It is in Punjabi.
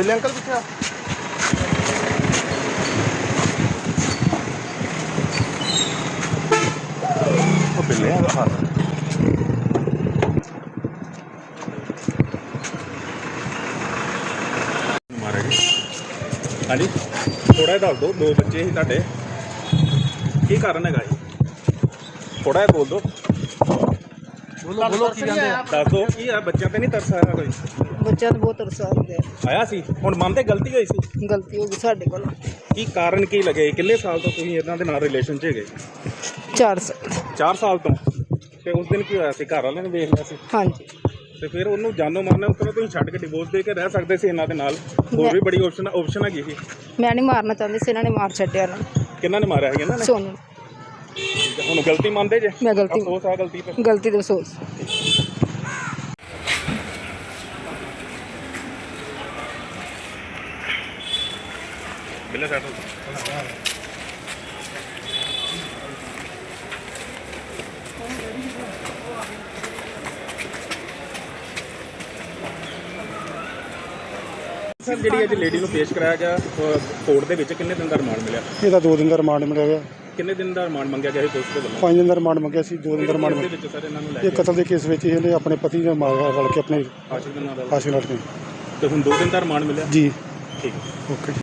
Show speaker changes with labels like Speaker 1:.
Speaker 1: बिल्ले अंकल पीछे वो बिल्ले हैं हाथ मारा जी। हाँ जी थोड़ा दस दो दो बच्चे ही तुहाडे की कारण है जी थोड़ा जिहा बोल दो
Speaker 2: बोलो बोलो की कहंदे आ
Speaker 1: दस दो की आ बच्चों ते नहीं तरस आया कोई
Speaker 2: ਬੱਚਿਆਂ ਨੂੰ ਬਹੁਤ ਤਰਸ ਆਉਂਦੇ
Speaker 1: आया सी हुण मन ते गलती होई सी
Speaker 2: ਗਲਤੀ ਹੋ ਗਈ ਸਾਡੇ ਕੋਲ
Speaker 1: की कारण की लगे किन्ने साल तो तुसीं इन्हां दे नाल रिलेशन च हैगे
Speaker 2: 4 ਸਾਲ
Speaker 1: 4 साल तो ते उस दिन की होया सी घर वाले ने वेख लिया सी
Speaker 2: ਹਾਂਜੀ
Speaker 1: ਤੇ ਫਿਰ ਉਹਨੂੰ ਜਾਨੋਂ ਮਾਰਨਾ ਉਸ ਤਰ੍ਹਾਂ ਤੁਸੀਂ ਛੱਡ ਕੇ ਡਿਵੋਰਸ ਦੇ ਕੇ ਰਹਿ ਸਕਦੇ ਸੀ ਇਹਨਾਂ ਦੇ ਨਾਲ ਹੋਰ ਵੀ ਬੜੀ ਆਪਸ਼ਨ ਹੈਗੀ ਸੀ
Speaker 2: ਮੈਂ ਨਹੀਂ ਮਾਰਨਾ ਚਾਹੁੰਦੀ ਸੀ ਇਹਨਾਂ ਨੇ ਮਾਰ ਛੱਡਿਆ ਨਾ
Speaker 1: ਕਿਹਨਾਂ ਨੇ ਮਾਰਿਆ ਸੀ ਇਹਨਾਂ ਨੇ
Speaker 2: ਸੋਨੂੰ
Speaker 1: ਹੁਣ ਗਲਤੀ ਮੰਨਦੇ ਜੇ
Speaker 2: ਮੈਂ ਗਲਤੀ
Speaker 1: ਅਫਸੋਸ ਆ ਗਲਤੀ ਤੇ
Speaker 2: ਗਲਤੀ ਦਾ ਅਫਸੋਸ
Speaker 1: ਬਿੱਲੇ ਸੈਟ ਸਰ ਜਿਹੜੀ ਅੱਜ ਲੇਡੀ ਨੂੰ ਪੇਸ਼ ਕਰਾਇਆ ਗਿਆ ਕੋਰਟ ਦੇ ਵਿੱਚ ਕਿੰਨੇ ਦਿਨ ਦਾ ਰਿਮਾਂਡ ਮਿਲਿਆ
Speaker 3: ਇਹਦਾ 2 ਦਿਨ ਦਾ ਰਿਮਾਂਡ ਮਿਲਿਆ ਗਿਆ।
Speaker 1: ਕਿੰਨੇ ਦਿਨ ਦਾ ਰਿਮਾਂਡ ਮੰਗਿਆ ਗਿਆ ਸੀ ਪੁਲਿਸ ਦੇ ਵੱਲੋਂ
Speaker 3: 5 ਦਿਨ ਦਾ ਰਿਮਾਂਡ ਮੰਗਿਆ ਸੀ। 2 ਦਿਨ ਦਾ ਰਿਮਾਂਡ
Speaker 1: ਦੇ
Speaker 3: ਮਿਲਿਆ।
Speaker 1: ਵਿੱਚ ਸਰ ਇਹਨਾਂ ਨੂੰ ਲੈ
Speaker 3: ਇਹ
Speaker 1: ਕੇ
Speaker 3: ਕਤਲ ਦੇ ਕੇਸ ਵਿੱਚ ਇਹਨੇ ਆਪਣੇ ਪਤੀ ਨਾਲ ਮਾਰ ਰਲ ਕੇ ਆਪਣੇ
Speaker 1: ਆਸ਼ਿਕ ਦੇ ਨਾਲ
Speaker 3: ਫਾਂਸੀ ਲੜ ਕੇ
Speaker 1: ਤੇ ਹੁਣ 2 ਦਿਨ ਦਾ ਰਿਮਾਂਡ ਮਿਲਿਆ
Speaker 3: ਜੀ
Speaker 1: ਠੀਕ
Speaker 3: ਓਕੇ।